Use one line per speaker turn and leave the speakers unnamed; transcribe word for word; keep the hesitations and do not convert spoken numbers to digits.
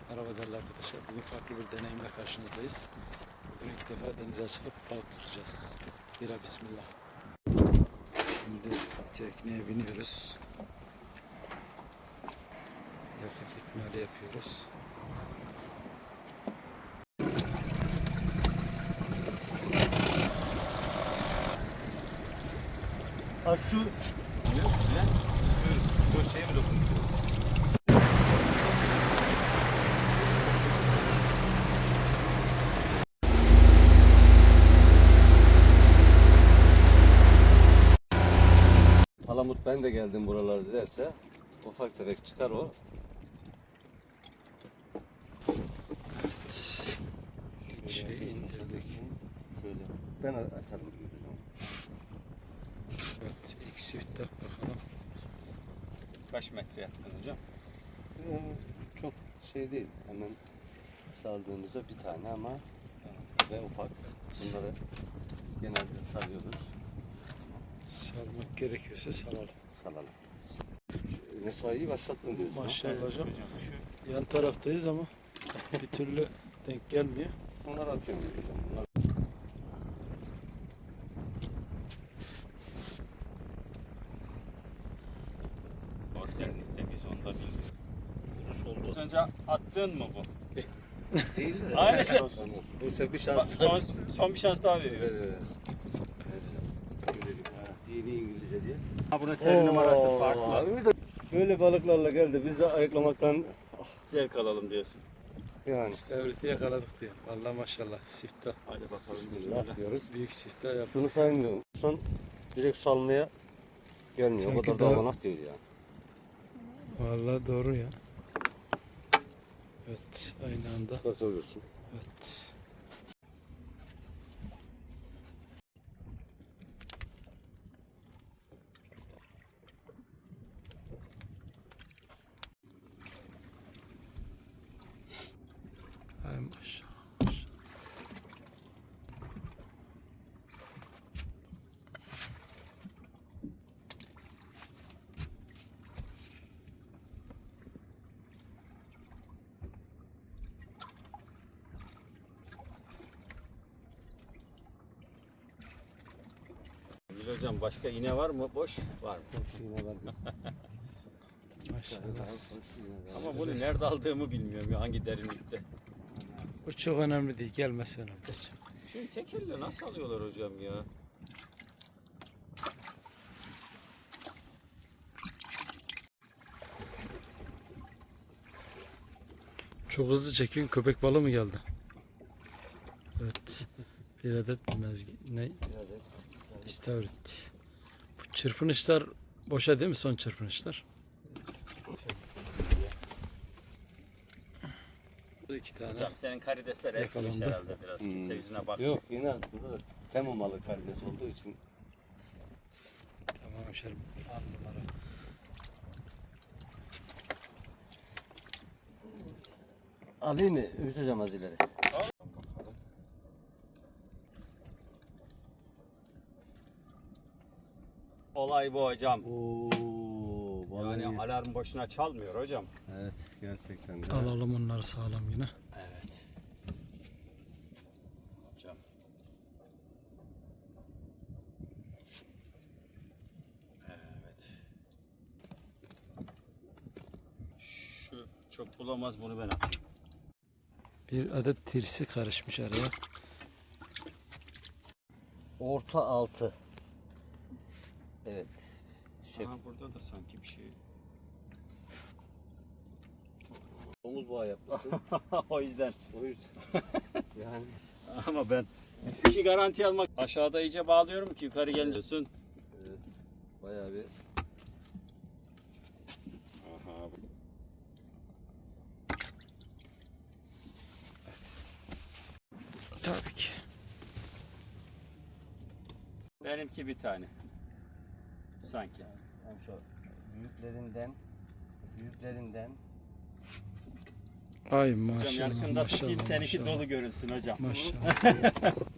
Merhaba değerli arkadaşlar. Bugün farklı bir deneyimle karşınızdayız. Bugün ilk defa denize açılıp balık tutacağız. Bira bismillah. Şimdi tekneye biniyoruz. Yakıt ikmali yapıyoruz.
Ha şu ne? Şu, şu şeye mi dokunuyor? Palamut ben de geldim buralarda derse ufak tefek çıkar o.
Şey indirdik.
Şöyle ben açarım.
Evet, ilk siftah bakalım.
Kaç metre yaptın hocam?
Ee, çok şey değil. Hemen saldığımızda bir tane ama ve ufak. Bunları genelde salıyoruz.
Salmak gerekiyorsa salalım.
Salalım. Mesaiyi başlattın diyorsun.
Maşallah hocam. Yan taraftayız ama bir türlü denk gelmiyor.
Bunları atıyorum hocam. Bunlar...
Dernekte biz onda bir vuruş oldu. Az önce attın mı bu?
Değil de.
Aynısı.
Bu sefer bir
Bak,
şans.
son, son bir şans daha veriyor.
Veririz. Dini İngilizce diye.
Ha, bunun seri numarası farklı.
Böyle balıklarla geldi. Biz de ayıklamaktan
Zevk alalım diyorsun.
yani
İstavriti yakaladık diye. Vallahi maşallah siftah.
Hadi bakalım.
bismillah diyoruz.
Büyük siftah yaptık.
Şunu saymıyorum. Son direkt salmaya gelmiyor. O
Sanki
kadar
daha-
davanak değil yani.
Vallahi doğru ya. Evet, aynı anda.
Nasıl oluyorsun?
Evet. Ay maşallah.
Gül hocam başka iğne var mı? Boş var mı?
Hoş yine var.
Maşallah.
Ama bunu nerede aldığımı bilmiyorum ya, hangi derinlikte.
Bu çok önemli değil. Gelmesi önemli.
Şimdi tek elle nasıl alıyorlar hocam ya?
Çok hızlı çekin. Köpek balığı mı geldi? Evet. Bir adet mezgi. Ne? İstavrit. Bu çırpınışlar boşa değil mi? Son çırpınışlar. Bu iki tane.
Hocam senin karidesler eskimiş
Yakalandı.
herhalde biraz. Kimse yüzüne bakmıyor.
Yok yine aslında da temalı karides olduğu için
Tamam hemşerim. Al numara.
alayım mı? Ümit hocam az ileri.
Olay bu hocam.
Oo, vallahi
Yani alarm boşuna çalmıyor hocam.
evet gerçekten de.
Alalım onları sağlam yine.
Evet. Hocam. Evet. Şu çok bulamaz, bunu ben atayım.
Bir adet tirsi karışmış araya.
Orta altı. Evet. Şef.
Aha, burada da sanki bir şey.
Omuz bağı yapmışsın.
O yüzden.
O yüzden. Yani
Ama ben işi garanti almak. Aşağıda iyice bağlıyorum ki yukarı geliyorsun.
evet. Bayağı bir
Aha.
Tabii ki.
Benimki bir tane. Sanki.
yani şu büyüklerinden büyüklerinden
Ay
Hocam
maşallah.
yakında tutayım,
maşallah,
seninki
maşallah.
dolu görünsün hocam.
Maşallah.